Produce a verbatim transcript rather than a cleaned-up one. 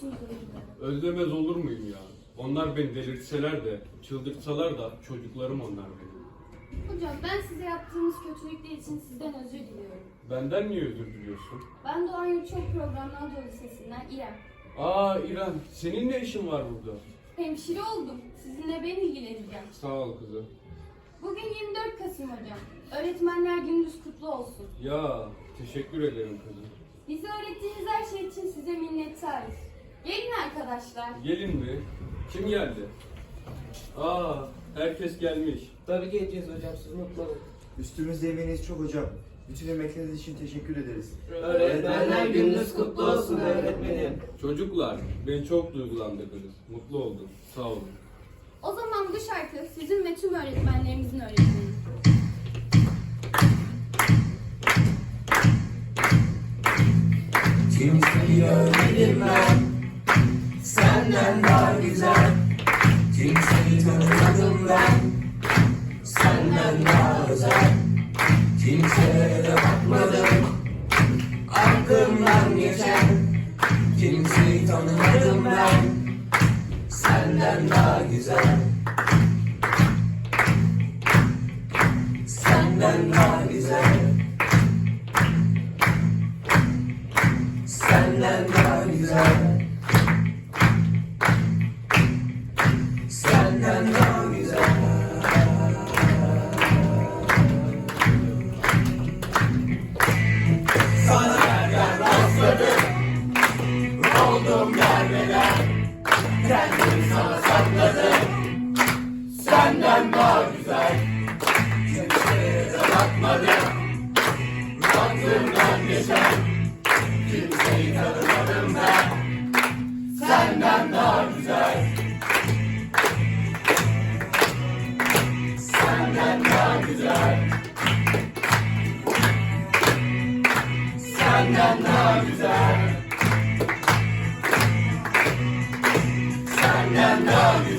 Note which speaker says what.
Speaker 1: musunuz öğretmenim?
Speaker 2: Özlemez olur muyum ya? Onlar beni delirtseler de, çıldırtsalar da çocuklarım onlar benim.
Speaker 1: Hocam ben size yaptığınız kötülükler için sizden özür diliyorum.
Speaker 2: Benden niye özür diliyorsun?
Speaker 1: Ben Doğan Yurtçok Programlı Anadolu Lisesi'nden İrem.
Speaker 2: Aa İrem, senin ne işin var burada?
Speaker 1: Hemşire oldum. Sizinle ben ilgileneceğim.
Speaker 2: Sağ ol kızım.
Speaker 1: Bugün yirmi dört Kasım hocam. Öğretmenler Gününüz kutlu olsun.
Speaker 2: Ya, teşekkür ederim kızım.
Speaker 1: Bize öğrettiğiniz her şey için size minnettarız. Gelin arkadaşlar.
Speaker 2: Gelin mi? Kim geldi? Aa, herkes gelmiş.
Speaker 3: Tabii geleceğiz hocam, siz mutlu olun.
Speaker 4: Üstümüzde emeğiniz çok hocam. Bütün emekleriniz için teşekkür ederiz.
Speaker 3: Öğretmenler gününüz kutlu olsun öğretmenim.
Speaker 2: Çocuklar, beni çok duygulandırdınız. Mutlu oldum. Sağ olun.
Speaker 1: O zaman bu şarkı sizin ve tüm öğretmenlerimizin öğretmeni.
Speaker 5: Kimseyi görmedim ben senden daha güzel. Kimseyi tanımadım ben senden daha özel. Kimselere de bakmadım aklımdan geçen. Kimseyi tanımadım ben senden daha güzel. Senden daha güzel. Senden daha güzel. Senden daha güzel. Sana nereden rastladım, oldum gelmeden. Kendimi sana sakladım, senden daha güzel. Kimseye de bakmadım, aklımdan geçen. Kimseyi tanımadım ben senden daha güzel. Senden daha güzel. Senden daha güzel. Senden daha güzel.